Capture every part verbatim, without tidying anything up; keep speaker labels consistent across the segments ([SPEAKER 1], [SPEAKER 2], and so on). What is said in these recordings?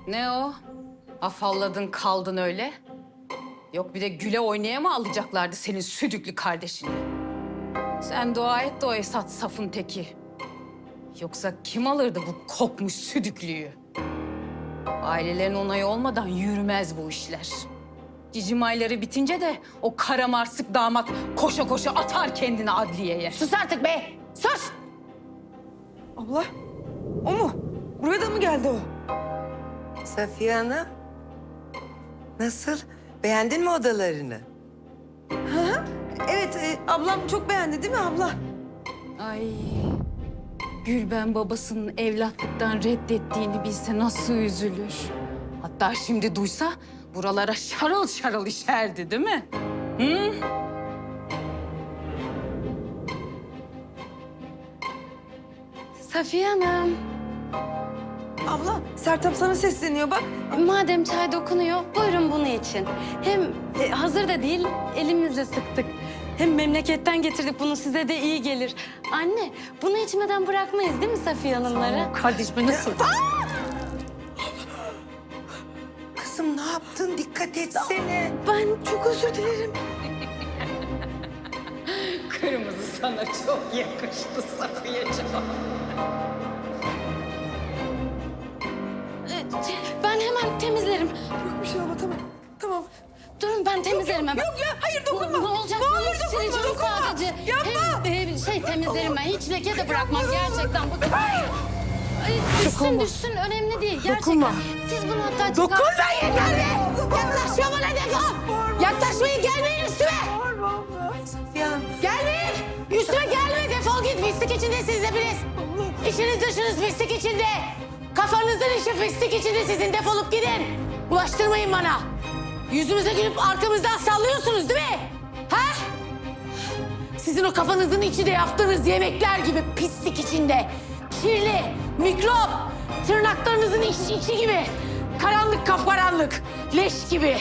[SPEAKER 1] Ne o? Afalladın kaldın öyle. Yok bir de güle oynaya mı alacaklardı senin südüklü kardeşini? Sen dua et de o Esat safın teki. Yoksa kim alırdı bu kokmuş südüklüyü? Ailelerin onayı olmadan yürümez bu işler. Cicim ayları bitince de o karamarsık damat koşa koşa atar kendini adliyeye.
[SPEAKER 2] Sus artık be! Sus!
[SPEAKER 3] Abla, o mu? Buraya da mı geldi o?
[SPEAKER 4] Safiye Hanım, nasıl? Beğendin mi odalarını?
[SPEAKER 3] Evet, e, ablam çok beğendi değil mi abla?
[SPEAKER 1] Ay, Gülben babasının evlatlıktan reddettiğini bilse nasıl üzülür. Hatta şimdi duysa buralara şarıl şarıl işerdi değil mi? Hı?
[SPEAKER 2] Safiye Hanım,
[SPEAKER 3] Abla, Sertap sana sesleniyor bak.
[SPEAKER 2] madem çay dokunuyor, buyurun bunu için. Hem e, hazır da değil, elimizle sıktık. Hem memleketten getirdik, bunu size de iyi gelir. Anne, bunu içmeden bırakmayız değil mi Safiye Hanımları?
[SPEAKER 1] Kardeşime nasıl?
[SPEAKER 4] Kızım ne yaptın? Dikkat etsene.
[SPEAKER 2] Ben çok özür dilerim.
[SPEAKER 1] Kırmızı sana çok yakıştı Safiyeciğim.
[SPEAKER 2] E, Ben hemen temizlerim.
[SPEAKER 3] Yok bir şey abla, tamam. Tamam.
[SPEAKER 2] Durun ben temizlerim hemen.
[SPEAKER 3] Yok ya, hayır dokunma.
[SPEAKER 2] Ne olacak?
[SPEAKER 3] Ne olur
[SPEAKER 2] Ben
[SPEAKER 3] dokunma,
[SPEAKER 2] sileceğim
[SPEAKER 3] dokunma.
[SPEAKER 2] sadece.
[SPEAKER 3] Yapma.
[SPEAKER 2] Hem e, şey temizlerim ben. Hiç leke de bırakmam gerçekten. Bu... Hayır. Düşsün düşsün önemli değil gerçekten.
[SPEAKER 3] Dokunma.
[SPEAKER 2] Siz bunu hatta çıkar.
[SPEAKER 3] Dokunma
[SPEAKER 2] yeter be! Yaklaşma bana defol! Yaklaşmayın gelmeyin üstüme!
[SPEAKER 3] Bağırma abla.
[SPEAKER 4] Safiye Hanım,
[SPEAKER 2] Gelmeyin! Üstüme gelme defol git pislik içinde siz hepiniz. İçiniz dışınız pislik içinde. Kafanızın içi pislik içinde sizin defolup gidin. Bulaştırmayın bana. Yüzümüze gülüp arkamızdan sallıyorsunuz değil mi? Ha? Sizin o kafanızın içi de yaptığınız yemekler gibi pislik içinde. Kirli, mikrop, tırnaklarınızın içi, içi gibi. Karanlık kapkaranlık, leş gibi.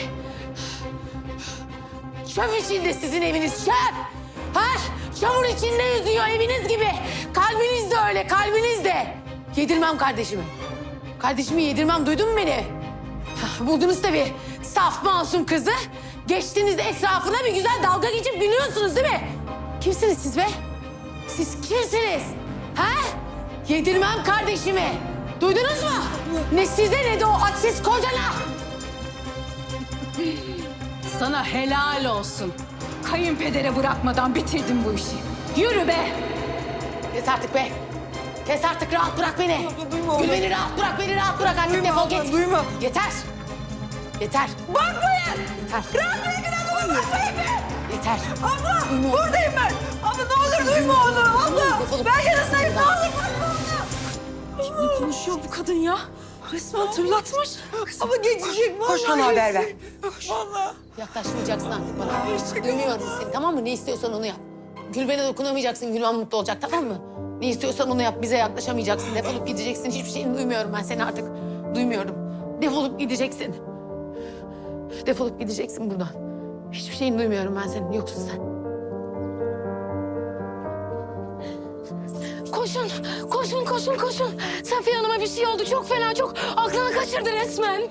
[SPEAKER 2] Çöp içinde sizin eviniz, çöp. Ha? Çamur içinde yüzüyor eviniz gibi. Kalbiniz de öyle, kalbiniz de. Yedirmem kardeşimi. Kardeşimi yedirmem, duydun mu beni? Hah, buldunuz tabii saf masum kızı. Geçtiniz etrafına bir güzel dalga geçip gülüyorsunuz değil mi? Kimsiniz siz be? Siz kimsiniz? Ha? Yedirmem kardeşimi. Duydunuz mu? Ne size ne de o hadsiz kocana.
[SPEAKER 1] Sana helal olsun. Kayınpedere bırakmadan bitirdin bu işi. Yürü be!
[SPEAKER 2] Kes artık be. Kes artık rahat bırak beni.
[SPEAKER 3] Abla, duyma
[SPEAKER 2] Gül
[SPEAKER 3] onu.
[SPEAKER 2] beni rahat bırak beni rahat bırak artık
[SPEAKER 3] Duyma
[SPEAKER 2] defol
[SPEAKER 3] abla,
[SPEAKER 2] git.
[SPEAKER 3] duyma.
[SPEAKER 2] Yeter. Yeter.
[SPEAKER 3] Bakmayın.
[SPEAKER 2] Yeter.
[SPEAKER 3] Rahat bırakın adamı, bakmayın be.
[SPEAKER 2] Yeter.
[SPEAKER 3] Abla, buradayım ben. Abla ne olur duyma onu. Abla,
[SPEAKER 2] Defolup
[SPEAKER 3] ben
[SPEAKER 2] git.
[SPEAKER 3] yanınızdayım. Ne olur bakma ona.
[SPEAKER 1] Ne konuşuyor bu kadın ya? Resmen tırlatmış.
[SPEAKER 3] Abla geçecek vallahi.
[SPEAKER 4] koş bana haber ver.
[SPEAKER 3] geçecek. Vallahi.
[SPEAKER 2] Yaklaşmayacaksın artık bana. Duymuyorum seni tamam mı? Ne istiyorsan onu yap. Gülben'e dokunamayacaksın. Gülben mutlu olacak tamam mı? Ne istiyorsan onu yap. Bize yaklaşamayacaksın. Defolup gideceksin. Hiçbir şeyini duymuyorum ben seni artık. Duymuyorum. Defolup gideceksin. Defolup gideceksin buradan. Hiçbir şeyini duymuyorum ben senin. Yoksun sen. Koşun, koşun, koşun, koşun. Safiye Hanım'a bir şey oldu. Çok fena, çok aklını kaçırdı resmen.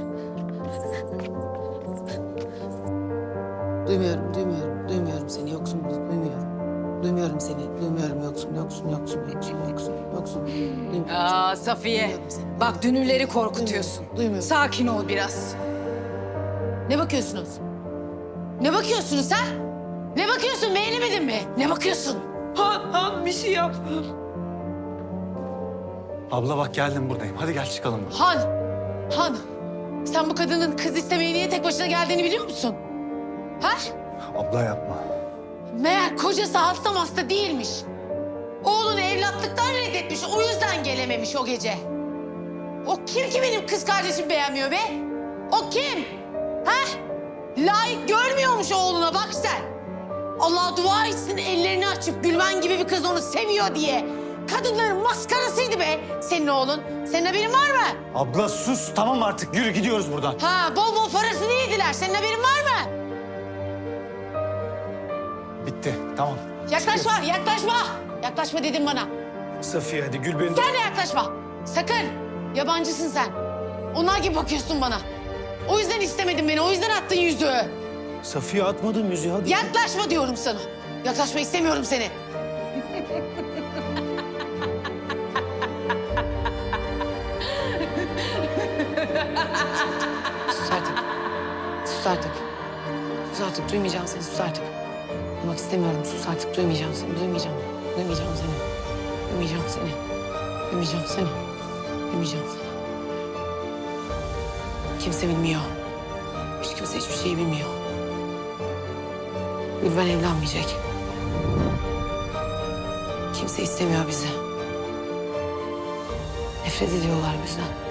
[SPEAKER 2] Duymuyorum, duymuyorum, duymuyorum seni. Yoksun, duymuyorum. Duymuyorum seni, duymuyorum. Yoksun, yoksun, yoksun, yoksun, yoksun, yoksun. Duymuyorum
[SPEAKER 1] Aa
[SPEAKER 2] seni.
[SPEAKER 1] Safiye,
[SPEAKER 2] Duymuyorum seni.
[SPEAKER 1] bak dünürleri korkutuyorsun.
[SPEAKER 2] Duymuyorum.
[SPEAKER 1] Sakin ol biraz.
[SPEAKER 2] Ne bakıyorsunuz? Ne bakıyorsunuz ha? Ne bakıyorsun? Beğenemedin mi? Ne bakıyorsun?
[SPEAKER 3] Han, Han bir şey yap.
[SPEAKER 5] Abla bak geldim buradayım. Hadi gel çıkalım.
[SPEAKER 2] Han, Han. Sen bu kadının kız istemeye niye tek başına geldiğini biliyor musun? Ha?
[SPEAKER 5] Abla yapma.
[SPEAKER 2] Meğer kocası hasta hasta değilmiş. Oğlunu evlatlıktan reddetmiş. O yüzden gelememiş o gece. O kim ki benim kız kardeşim beğenmiyor be? O kim? Ha? Layık görmüyormuş oğluna bak sen. Allah dua etsin ellerini açıp Gülben gibi bir kız onu seviyor diye. Kadınların maskarasıydı be senin oğlun. Senin haberin var mı?
[SPEAKER 5] Abla sus tamam artık yürü gidiyoruz buradan.
[SPEAKER 2] Ha bol bol parasını yediler. Senin haberin var mı?
[SPEAKER 5] Bitti tamam.
[SPEAKER 2] Yaklaşma, yaklaşma. Yaklaşma dedim bana.
[SPEAKER 5] Safiye hadi Gülben'i...
[SPEAKER 2] Sen de yaklaşma. Sakın. Yabancısın sen. Onlar gibi bakıyorsun bana. O yüzden istemedin beni, o yüzden attın yüzüğü.
[SPEAKER 6] Safiye atmadım yüzüğü hadi.
[SPEAKER 2] Yaklaşma diyorum sana. Yaklaşma istemiyorum seni. Sus artık. Sus artık. Sus artık. Duymayacağım seni. Sus artık. Duymak istemiyorum. Sus artık. Duymayacağım seni. Duymayacağım. Duymayacağım seni. Duymayacağım seni. Duymayacağım seni. Duymayacağım seni. Kimse bilmiyor. Hiç kimse hiçbir şeyi bilmiyor. Gülben evlenmeyecek. Kimse istemiyor bizi. Nefret ediyorlar bizden.